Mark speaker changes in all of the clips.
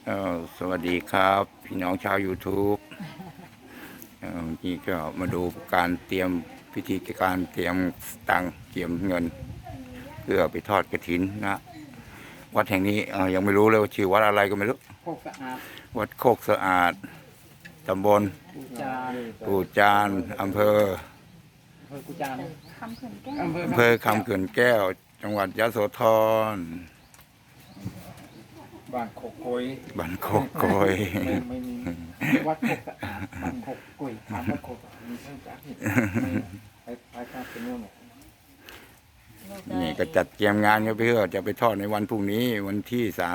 Speaker 1: สวัสดีครับพี่น้องชาว YouTube นี่ก็มาดูการเตรียมพิธีการเตรียมตังค์เตรียมเงิน เพื่อไปทอดกฐินนะ วัดแห่งนี้ยังไม่รู้เลยว่าชื่อวัดอะไรก็ไม่รู้
Speaker 2: โคกสะอาด
Speaker 1: วัดโคกสะอาดตำบล
Speaker 2: กูจาน
Speaker 1: อำเภอ
Speaker 2: กูจานอำเภอ
Speaker 1: คำเขื่อนแก้ว จังหวัดยโสธร
Speaker 2: บ้านโคกโกย
Speaker 1: บ้านโคกโกย
Speaker 2: ไม่มีวัดโคกสะอาดบ้านโคกโกยถามวัดโคกสะอาดมีเรื่องจากนี่ไปข้าวเป็นเรื่องหมด
Speaker 1: นี่ก็จัดเตรียมงานกันเพื่อจะไปทอดในวันพรุ่งนี้วันที่31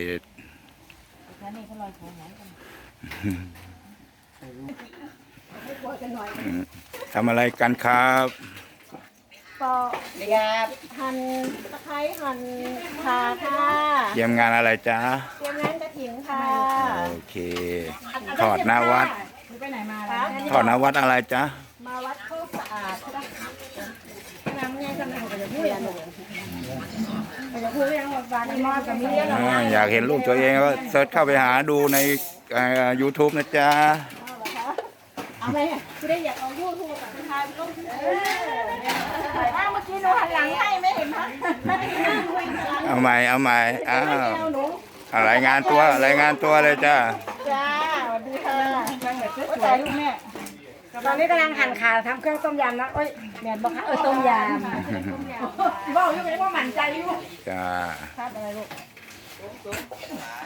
Speaker 1: ทำอะไรกันครับ
Speaker 3: ปอกหั่นตะไคร้หั่นข่าค่ะ
Speaker 1: เตรียมงานอะไรจ๊ะ
Speaker 3: เตรียมงานกระถิ่นค่ะ
Speaker 1: โอเคทอดหน้าวัด
Speaker 3: ไปไหนมาแล้ว
Speaker 1: ทอดหน้าวัดอะไรจ๊ะ
Speaker 3: มาวัดโคกสะอาดใช่ปะน้ำเนี่ยกำลังจะพูดยังจะพูดยังว่าบ้านนี้มอดกับมีเรื่องอะไร
Speaker 1: อยากเห็นรูปตัวเองก็เซิร์ชเข้าไปหาดูในYouTube นะจ๊ะ
Speaker 3: เอาไปคือได้อยากเอายูทูบกับทายลงถ้าเมื่อกี้หนูหันหลังให้ไม่เห็นมั้ยไม่ได้นั่งคุยหลัง
Speaker 1: เอาใหม่อ้าว
Speaker 3: หนู
Speaker 1: รายงานตัวเลยจ้า
Speaker 3: จ้าสวัสดีค่ะโอ้ยลูกแม่ตอนนี้กำลังหั่นขาทำเครื่องต้มยำนะโอ้ยแม่บอกค่ะต้มยำบอกอยู่ไม่ได้ว่าหมั่นใจอยู่
Speaker 1: จ้า
Speaker 3: ทานอะไรลูก